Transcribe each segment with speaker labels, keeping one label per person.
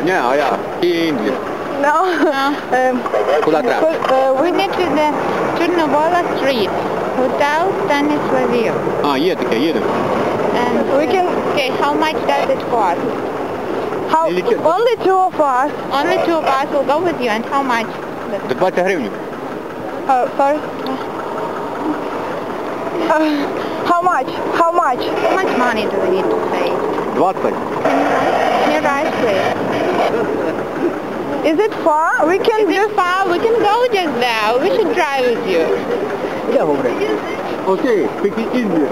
Speaker 1: Не, а я. И Индия.
Speaker 2: No.
Speaker 1: Куда треба?
Speaker 3: We need to the Chornovola Street, Hotel Stanislaville.
Speaker 1: А, є таке, їдемо.
Speaker 3: And
Speaker 2: We can...
Speaker 3: okay, how much does it cost?
Speaker 2: How, only two of us.
Speaker 3: Only two of us will go with you, and how much?
Speaker 1: За 20 гривень.
Speaker 2: Sorry. How much? How much?
Speaker 3: How much money do we need to pay?
Speaker 1: 20.
Speaker 3: Can you write, please?
Speaker 2: Is it far? We can
Speaker 3: Is it far? We can go just there. We should drive with you.
Speaker 1: Я говорю. Окей, пики Індія.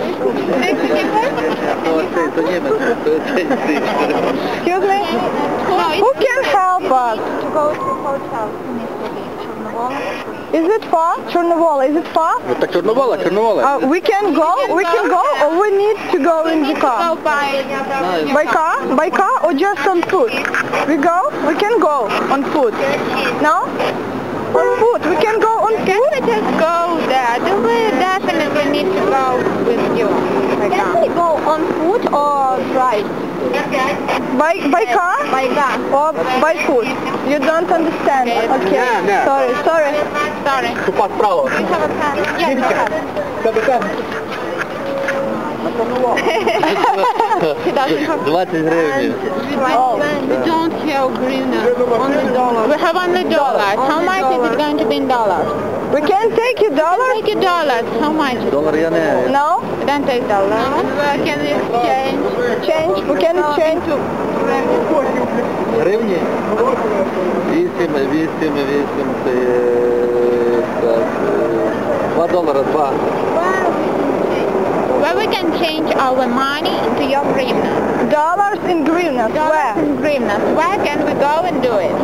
Speaker 2: Excuse me?
Speaker 3: No,
Speaker 2: Who can help us?
Speaker 3: to go to hotel.
Speaker 2: Is it far? Chornovola, is it far?
Speaker 1: Ну так Чорновола, Чорновола.
Speaker 2: We can go? We can go or we need to go in the
Speaker 3: Go
Speaker 2: car?
Speaker 3: by
Speaker 2: By car? By car or just on foot? We go? We can go on foot. No? On foot. We can go on
Speaker 3: Can
Speaker 2: foot?
Speaker 3: we just go there? Do we definitely need to go with you?
Speaker 2: Can we go on foot or drive? By car? By car. Or by foot? You don't understand. Okay.
Speaker 1: No.
Speaker 2: Sorry.
Speaker 3: Sorry.
Speaker 1: Тупа справа.
Speaker 3: Do you have a pen? Yes, we have. He doesn't have
Speaker 1: 20 гривень.
Speaker 3: We don't have greener. Only dollars. We have only dollars. How much is it going to be in dollars?
Speaker 2: We can take you dollars?
Speaker 3: Take you dollars. How much?
Speaker 1: Долар я не...
Speaker 2: No?
Speaker 3: We don't take dollars. Can we exchange?
Speaker 2: Change? We can change.
Speaker 1: Гривні? 8, це є... так, 2 долара, 2.
Speaker 3: Where we can change our money to your hryvnia.
Speaker 2: Dollars in hryvnias.
Speaker 3: Dollars
Speaker 2: Where?
Speaker 3: and hryvnias. Where can we go and do it?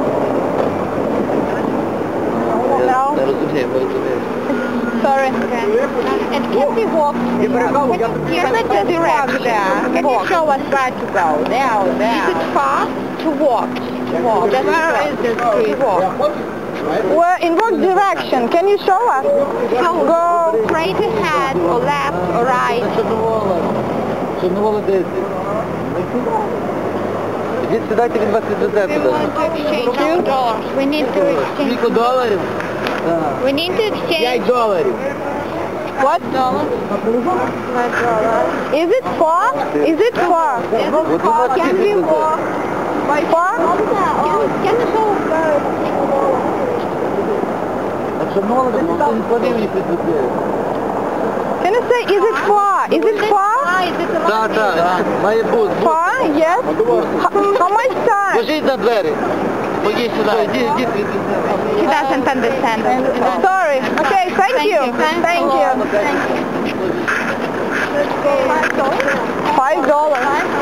Speaker 2: No.
Speaker 1: Не розумію, не розумію.
Speaker 2: Sorry.
Speaker 3: Okay. And can we walk? Can we just walk there? Can you show us where to go? There or there? Is it far? To walk. Just where is the street? Walk.
Speaker 2: Where, in what direction? Can you show us? Go.
Speaker 3: Straight ahead or left or right?
Speaker 1: Чорновола 10. Ідіть, сідайте, він вас відвезе
Speaker 3: We
Speaker 1: туди.
Speaker 3: want to exchange our dollars. We need to exchange.
Speaker 1: Скільки доларів?
Speaker 3: We need to exchange
Speaker 1: доларів.
Speaker 2: What? Is it far? Is it far? Can we walk? By far?
Speaker 3: Can you show us?
Speaker 1: А Чорновола, ніхто не платив їх відвезе.
Speaker 2: Can you say, is it far? Is it far?
Speaker 1: Так, має бути.
Speaker 2: Far? Yes? How much time?
Speaker 1: Ложіть на двері. Ходіть сюди, йдіть відвезе.
Speaker 3: He doesn't understand.
Speaker 2: Sorry. Okay, thank you. Thank you. $5.